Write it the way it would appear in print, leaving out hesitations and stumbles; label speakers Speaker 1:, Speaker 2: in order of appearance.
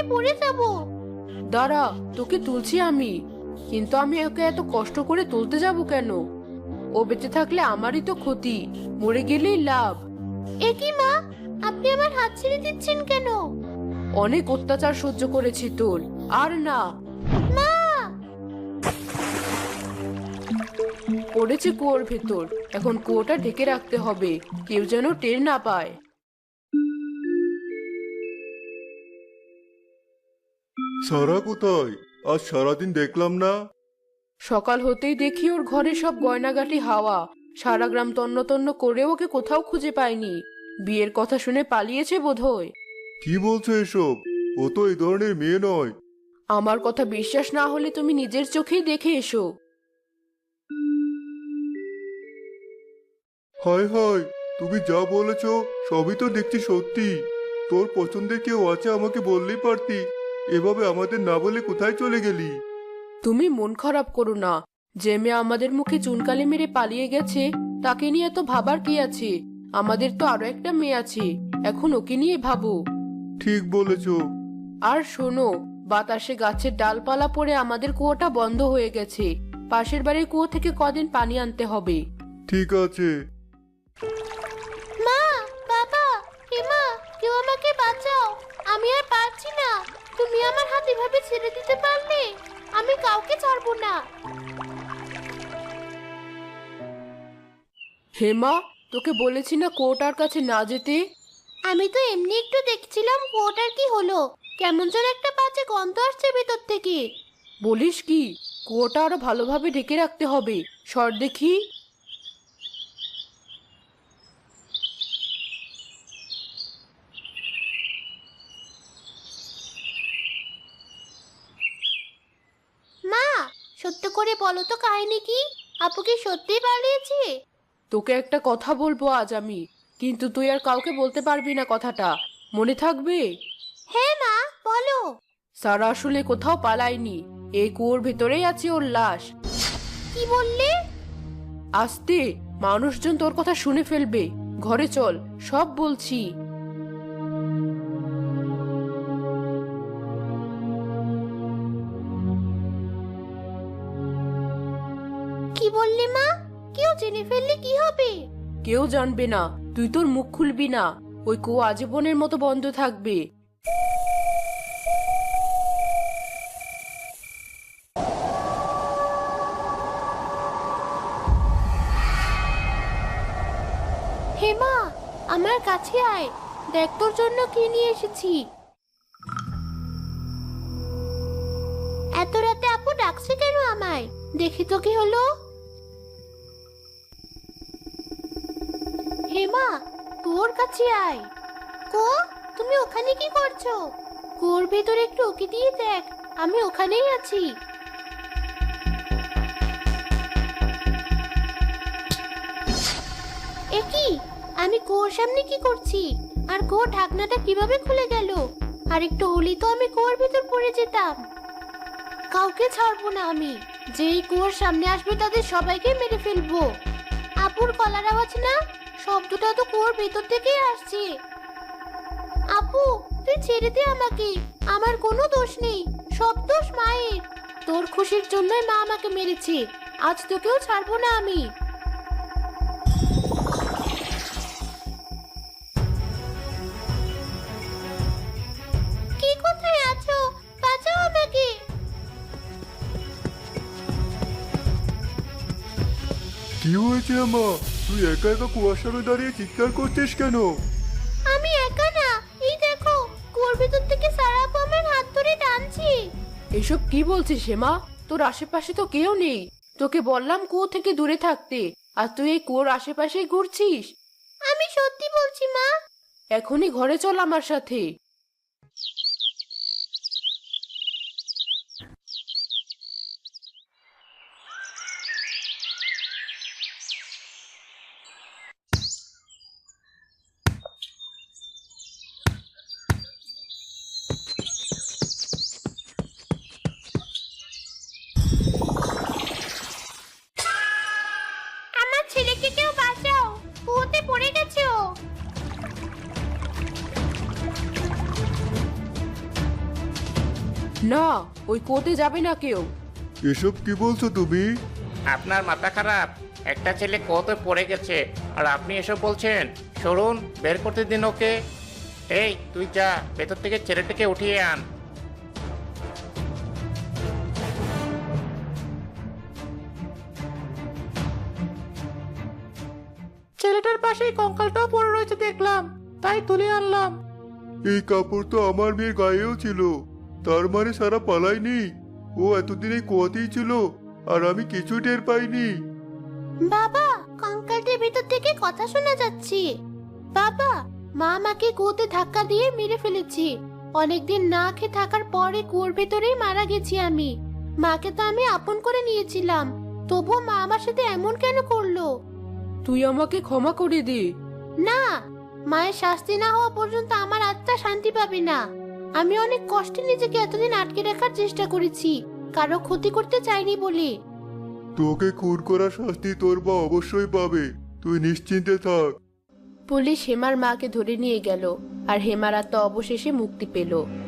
Speaker 1: পড়ে যাব।
Speaker 2: দাঁড়া, তোকে তুলছি আমি। কিন্তু আমি ওকে এত কষ্ট করে তুলতে যাব কেন? ও বেঁচে থাকলে আমারই তো ক্ষতি, মরে গেলেই লাভ।
Speaker 1: এ কি মা, আপনি আমার হাত ছেড়ে দিচ্ছেন কেন?
Speaker 2: অনেক অত্যাচার সহ্য করেছি তোর, আর না।
Speaker 1: মা!
Speaker 2: পড়েছে কুয়োর ভেতর, এখন কুয়োটা ঢেকে রাখতে হবে, কেউ যেন টের না পায়।
Speaker 3: সারা কোথায়? আজ সারাদিন দেখলাম না।
Speaker 2: সকাল হতেই দেখি ওর ঘরে সব গয়নাগাটি হাওয়া। সারা গ্রাম তন্ন তন্ন করে ওকে কোথাও খুঁজে পাইনি। বিয়ের কথা শুনে পালিয়েছে বোধহয়।
Speaker 3: কি বলছো এসব? ও তো এই ধরনের মেয়ে নয়।
Speaker 2: আমার কথা বিশ্বাস না হলে তুমি নিজের চোখেই দেখে এসো।
Speaker 3: হায় হায়, তুমি যা বলেছ সবই তো দেখছি সত্যি। তোর পছন্দের কেউ আছে আমাকে বললেই পারতি। এভাবে আমাদের না বলে কোথায় চলে গেলি?
Speaker 2: তুমি মন খারাপ করো না। যে মেয়ে আমাদের মুখে চুনকালি মেরে পালিয়ে গেছে, তাকে নিয়ে এত ভাবার কি আছে? আমাদের তো আরো একটা মেয়ে আছে, এখন ওকে নিয়ে ভাবো।
Speaker 3: ঠিক বলেছ।
Speaker 2: আর শোনো, বাতাসে গাছের ডালপালা পড়ে আমাদের কুয়োটা বন্ধ হয়ে গেছে। পাশের বাড়ির কুয়ো থেকে কদিন পানি আনতে হবে।
Speaker 3: ঠিক আছে।
Speaker 1: মা, বাবা, মা, কেউ আমাকে বাঁচাও। আমি আর পারছি না। তুমি আমার হাত এভাবে ছেড়ে দিতে পারলে? আমি কাউকে ছাড়বো না।
Speaker 2: হেমা, তোকে বলেছি না কুয়োটার কাছে না যেতে?
Speaker 1: আমি তো এমনি একটু দেখছিলাম কুয়োটার কি হলো। কেমন যেন একটা বাজে গন্ধ আসছে ভেতর থেকে।
Speaker 2: বলিস কি? কুয়োটা আরো ভালোভাবে ঢেকে রাখতে হবে। সর দেখি।
Speaker 1: মা, সত্য করে বলো তো কাহিনী কি? আপু কি সত্যিই পালিয়েছে?
Speaker 2: তোকে একটা কথা বলবো আজ আমি, কিন্তু তুই আর কাউকে বলতে পারবি না কথাটা। মনে থাকবে?
Speaker 1: হ্যাঁ মা, বলো।
Speaker 2: সারা আসলে কোথাও পালায়নি, এই কুয়োর ভেতরেই আছে ওর লাশ।
Speaker 1: কি বললে?
Speaker 2: আস্তে, মানুষজন তোর কথা শুনে ফেলবে। ঘরে চল, সব বলছি।
Speaker 1: কি বললে মা? কেউ জেনে ফেললে কি হবে?
Speaker 2: কেউ জানবে না, তুই তোর মুখ খুলবি না। ওই কুয়ো আজীবনের মতো বন্ধ থাকবে।
Speaker 1: হেমা, আমার কাছে আয়। দেখ তোর জন্য কি নিয়ে এসেছি। এত রাতে আপু ডাকছে কেন আমায়? দেখি তো কি হলো। হেমা, তোর কাছে আয়। কো, তুমি ওখানে কি করছো? কুয়োর ভেতরে একটু উকি দিয়ে দেখ, আমি ওখানেই আছি। এ কি? আমি কুয়োর সামনে কি করছি? আর কুয়োর ঢাকনাটা কিভাবে খুলে গেল? আর একটু হলেই তো আমি কুয়োর ভেতর পড়ে যেতাম। কাউকে ছাড়বো না আমি। যেই কুয়োর সামনে আসবে তাদের সবাইকে মেরে ফেলবো। আপুর গলার আওয়াজ না? শব্দটা তো কুয়োর ভেতর থেকেই আসছে। আপু, তুই ছেড়ে দে আমাকে। আমার কোনো দোষ নেই, সব দোষ মায়ের। তোর খুশির জন্যই মা আমাকে মেরেছে। আজ তোকেও ছাড়বো না আমি। কে কোথায় আছো? বাঁচাও আমাকে।
Speaker 3: কি হয়েছে আমা? তুই একা একা কুয়ার সামনে দাঁড়িয়ে চিৎকার করছিস কেন?
Speaker 1: আমি একা না, এই দেখো, কুয়োর ভেতর থেকে সারা আপু আমার হাত ধরে টানছি।
Speaker 2: এসব কি বলছিস হেমা? তোর আশেপাশে তো কেউ নেই। তোকে বললাম কুয়ো থেকে দূরে থাকতে, আর তুই এই কুয়োর আশেপাশেই ঘুরছিস।
Speaker 1: আমি সত্যি বলছি মা।
Speaker 2: এখনই ঘরে চল আমার সাথে।
Speaker 1: আমার ছেলেকে কেউ বাঁচাও, কুয়োতে পড়ে গেছে ও।
Speaker 2: না, ওই কুয়োতে যাবে না কেউ।
Speaker 3: এসব কি বলছো তুমি?
Speaker 4: আপনার মাথা খারাপ? একটা ছেলে কত পড়ে গেছে আর আপনি এসব বলছেন? সরুন, বের করতে দিন ওকে। এই তুই যা, ভেতর থেকে ছেলেটাকে উঠিয়ে আন। ছেলেটার পাশেই কঙ্কালটাও পড়ে রয়েছে দেখলাম, তাই তুলে আনলাম।
Speaker 3: এই কাপড় তো আমার মেয়ের গায়েও ছিল, তার মানে সারা পালায়নি। ও এতদিন এই কুয়াতেই ছিল আর আমি কিছু টের পাইনি।
Speaker 1: বাবা, কঙ্কালটির ভিতর থেকে কথা শোনা যাচ্ছে। বাবা, মা আমাকে কুয়োতে ধাক্কা দিয়ে মেরে ফেলেছি। অনেকদিন না খেয়ে থাকার পরে কুয়োর ভেতরেই মারা গেছি আমি। মাকে তো আমি আপন করে নিয়েছিলাম, তবুও মা আমার সাথে এমন কেন করলো?
Speaker 2: তুই আমাকে ক্ষমা করে দে।
Speaker 1: না, মায়ের শাস্তি না হওয়া পর্যন্ত আমার আত্মা শান্তি পাবে না। আমি অনেক কষ্টে নিজেকে এতদিন আটকে রাখার চেষ্টা করেছি, কারো ক্ষতি করতে চাইনি বলে।
Speaker 3: তোকে খুন করার শাস্তি তোর মা অবশ্যই পাবে, তুই নিশ্চিন্তে থাক।
Speaker 2: পুলিশ হেমার মাকে ধরে নিয়ে গেল আর হেমার আত্মা অবশেষে মুক্তি পেল।